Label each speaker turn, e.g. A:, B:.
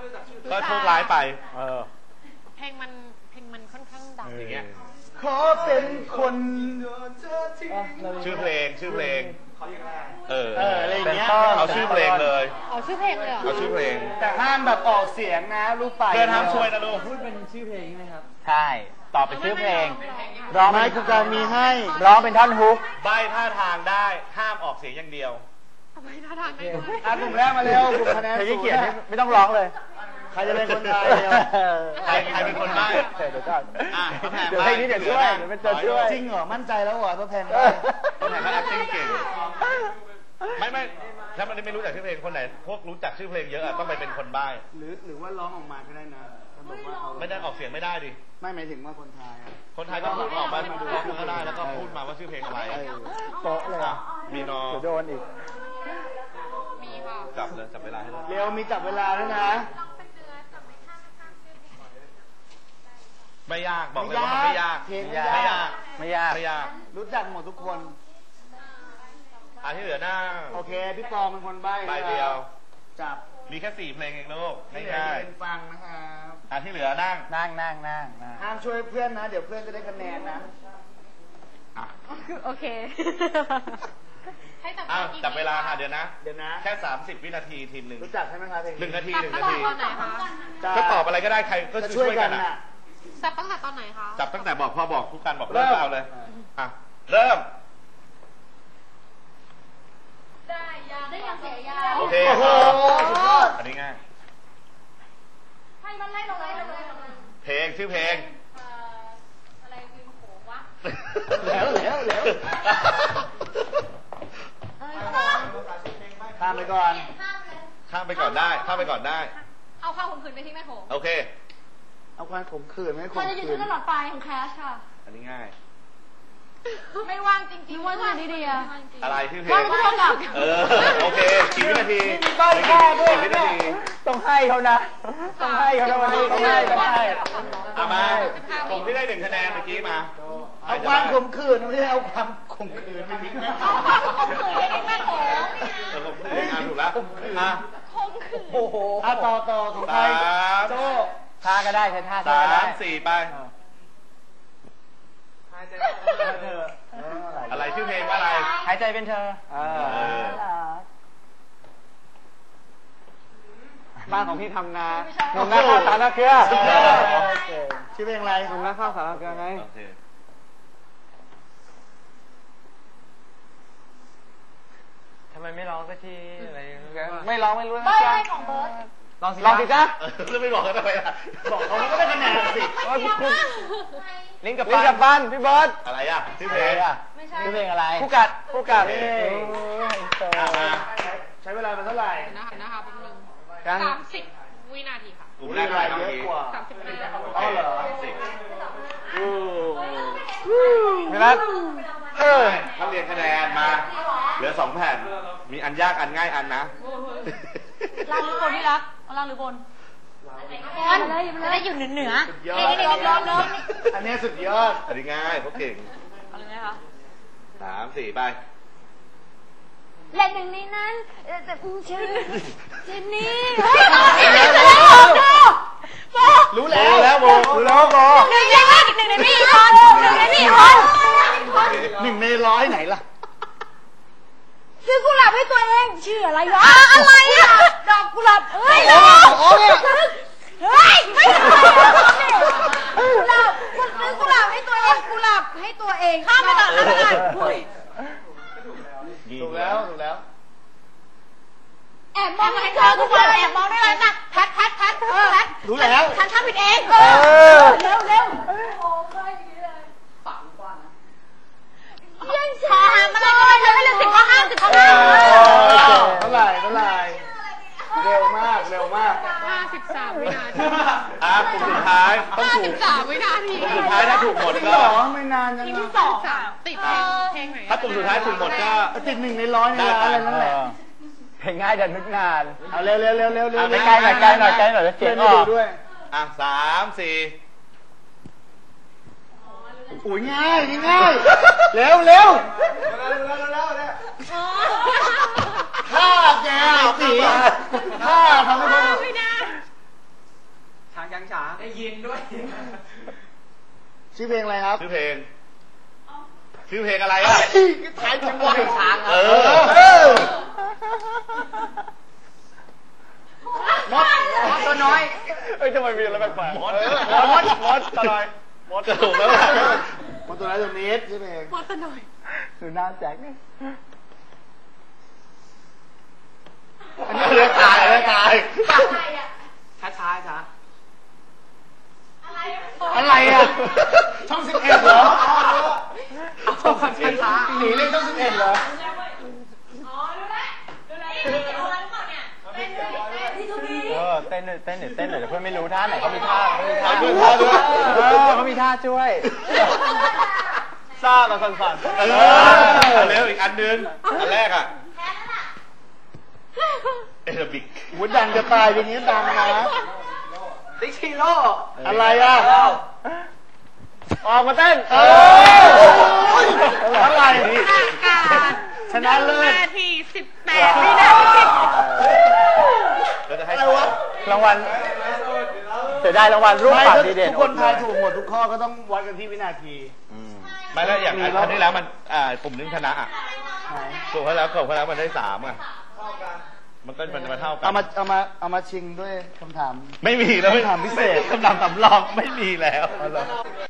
A: ก็โชคร้ายไป
B: เพลงมันค่อนข้างดัง
A: อย่างเงี้ย
C: ขอเป็นคน
A: ชื่อเพลง
C: อะไรอย่างเงี้ย
A: เอาชื่อเพลงเลย
B: เอาชื่อเพลงเลย
A: เอาชื่อเพลง
C: แต่ห้ามแบบออกเสียงนะลูกไป
A: เพื่อนห้ามช่วยนะลูก
D: พูดเป็นชื่อเพลงไหมครับ
E: ใช่ตอบเป็นชื่อเพลง
C: ร้องให้ครูการมีให้
E: ร้องเป็นท่อนฮุก
A: ใบท่าทางได้ห้ามออกเสียงอย่างเดียว
B: ใบท่าทางได้
C: กลุ่มแรกมาเร็วกลุ่มคะแนน
E: ขี้เกียจไม่ต้องร้องเลย
C: ใครจะเป็นคนไทย
A: ใครเป็นคนใบ้
E: เดี๋ยวก่อน
A: เดี๋ยว
E: ให้นี่เดี๋ยวช่วยเดี๋ยวเป็นตัวช่วย
C: จริงเหรอมั่นใจแล้วเหรอตัวแพง
A: คนไหนเขา acting เก่งไม่ถ้ามันไม่รู้จักชื่อเพลงคนไหนพวกรู้จักชื่อเพลงเยอะต้องไปเป็นคนใบ้
C: หรือว่าร้องออกมาก็ได้นะ
A: ไม่ได้ออกเสียงไม่ได้ดิ
C: ไม่หมายถึงว่าคนไทย
A: คนไทยก็พูดออกมาดูร้องก็ได้แล้วก็พูดมาว่าชื่อเพลงอะไร
E: โป๊ะเลย
A: มีนอ
E: โดนอีก
B: มีค่ะ
A: จับเวลาให้
C: เร็วมีจับเวลาด้วยนะ
A: ไม่ยากบอกเลยว่ามันไม่ยากไม่ยาก
C: รู้จักหมดทุกคน
A: ที่เหลือหน้า
C: โอเคพี่ปอเป็นคนใบ้
A: เดียว
C: จับ
A: มีแค่4เพลงเองลูก
C: ง่ายๆฟังนะครับ
A: ที่เหลือนั่ง
C: ห้ามช่วยเพื่อนนะเดี๋ยวเพื่อนจะได้คะแนนนะ
B: โอเค
A: จับเวลาค่ะเดี๋ยวนะแค่30 วินาทีทีมหนึ่ง
C: รู้จักใช่ไหมคะเพลง
A: 1 นาทีก็ตอบอะไรก็ได้ใครก็ช่วยกัน
B: จับตั้งแต่ตอนไหนคะ
A: จับตั้งแต่บอกพอบอกทุกการบอกเริ่มเอาเลยเริ่ม
B: ได้ยังเสียยา
A: โอเคอันนี้ง่าย
B: ให้มันไล่ลง
A: เพลงชื่อเพลง
B: อะไรวิวโขงวะ
C: แล้วข้ามไปก่อน
A: ได้
B: เอาความข่มขืนไปที่แม่โขง
A: โอเค
C: เอาความข่มขืนไม่ข่มขืน
B: มันจะอยู่ที่ตลอดไปของแคชค่ะ
A: อันนี้ง่าย
B: ไม่ว่างจริงๆว่างดีๆ
A: อะไรชื่อเพลงโอเค10 วินาที
E: 10 วินาทีต้องให้เขานะวันนี้ต้องให้
A: มาผมที่ได้1 คะแนนเมื่อกี้มา
C: เอาความข่มขืนไม่ใช่เอาความข่มขืนไปทิ้งแม่
B: เอาความข่มขืนไปทิ้งแม่โขง
A: ถูกแล้ว
B: ข่มขืน
C: โอ้โหต่อของใครโจ้
E: ท่าก็ได้ใช้ท่าก็ได้
A: 3 4ไปอะไรชื่อเพลงว่าอะไร
E: หายใจเป็นเธอบ้านของพี่ทำนาหนุ่มนาข้าวสารเกลือ
C: ชื่อเพลงอะไร
E: หนุ่มนาข้าวสารเกลือไงทำไมไม่ร้องสักทีอะไรไม่ร้องไม่รู้นะจ๊ะ
B: ของเบิร์ด
E: ลองสิจ๊ะ
A: แล้วไม่บอกกันทำไมล่ะ
C: บอกเขาก็ได้คะแนนสิ
E: ลิงกับฟันพี่เบิร์ด
A: อะไรชื่อเพลง
E: ชื่อเพลงอะไรผู้กัด
C: ใช้เวลาไปเท่าไหร่
B: นะคะเป็นหนึ่ง30 วินาทีค่ะ
A: กลุ่มแรกเยอะกว่า
C: อ๋อเหรอ
E: พี่นัท
A: เขาเรียนคะแนนมาเหลือ2 แผ่นมีอันยากอันง่ายอันนะ
B: ล่างหรือบนที่รักล่างหรือบนจะได้อยู่เหนือ
C: อันนี้สุดยอด
A: อันนี้ง่ายเพราะเก่ง
B: อะไรนะคะ
A: 3 4ไป
B: และหนึ่งในนั้นแต่ชื่อเจนนี่
C: รู้แล้วโบ
B: หนึ่งในพี่คน
C: 1 ใน 100ไหนล่ะ
B: ซื้อกุหลาบให้ตัวเองชื่ออะไรวะอะไรอ่ะดอกกุหลาบเฮ้ยไม่กุหลาบคุณซื้อกุหลาบให้ตัวเองกุหลาบให้ตัวเองข้ามไปต่อ
C: ถูกแล้ว
B: แอบมองให้เธอทุกคนแอบมองได้เลยนะแพท
C: รู้แล้ว
B: ฉันทำผิดเองเร็วยังช้ามาเลยแล้วไม่เร็ว10 ข้อ 50 ข้อ
C: เท่าไหร่เร็วมาก
B: 53 วินาที
A: กลุ่มสุดท้ายต้องถูก
B: 53 วินาที
A: กลุ่มสุดท้ายถ้าถูกหมดก็
C: ไม่นานจัง
B: ที่2ติดเพลงไหน
A: ถ้ากลุ่มสุดท้ายถูกหมดก็
C: ติด1 ใน 100นี่อะไรนั่นแหละ
E: เพลงง่ายแต่นึกนาน
C: เอาเร็ว
E: ใกล้หน่อยจะเสียงออก
C: ด้วย
A: 3 4
C: อุ้ยง่ายเร็วถ้าแกสีถ้าทำให้คนได้ยินด้วย
E: ชื่อเพลงอะไรครับ
A: ชื่อเพลงอะไรอ่ะ
E: ถ่ายจังหวะช้าง
A: เออ
E: มดตัวน้อยเอ้ยทำไมมีอะไรแปลกๆมดตัวน้อยมด
A: จะถูกแล้วล่ะ
E: มดตัวน้อยตัวนี้ชื่อเพลง
B: มดตัวหน่อย
E: คือหน้าแจ็คเนี่ย
A: เลือกตาย
B: อะไรอ่ะ
C: ช้าช้าช้า
E: อะไรอ่ะช่อง11เหรอ
C: ช่องช้าช้า
E: หนีเล่นช่อง11เหรอ
B: อ๋อรู้แล้วเอาอะไรก่อนเนี่ยเป็นที่ทุกที
E: เต้นหน่อยเต้นหน่อยเดี๋ยวเพื่อนไม่รู้ท่าไหนเขามีท่า
A: เอาเพื่อนท่าด้วย
E: เขามีท่าช่วยซ่ากับสั่น
A: เออเร็วอีกอันนึงอันแรกอ่ะเอลบิก
E: วุ้นดังจะตายอย่างนี้ดังนะ
C: ติ๊กชิโร่
E: อะไรอ่ะออกมาเต้นอะไร
B: การ
E: ชนะเลิศ
B: นาที18วินาที
A: เราจะให้
E: อะไรวะรางวัลเสียดายรางวัลรูปปัดดีเด่นทุกคนทายถูกหมดทุกข้อก็ต้องวัดกันที่วินาที
A: ไม่แล้วอย่างอันที่แล้วมันปุ่มนึงชนะอ่ะถูกแล้วมันได้3อ่ะมันก็มันเท่ากัน
E: เอามาชิงด้วยคำถาม
A: ไม่มีแล้ว
E: คำถามพิเศษ
A: คำถามสำรองไม่มีแล้ว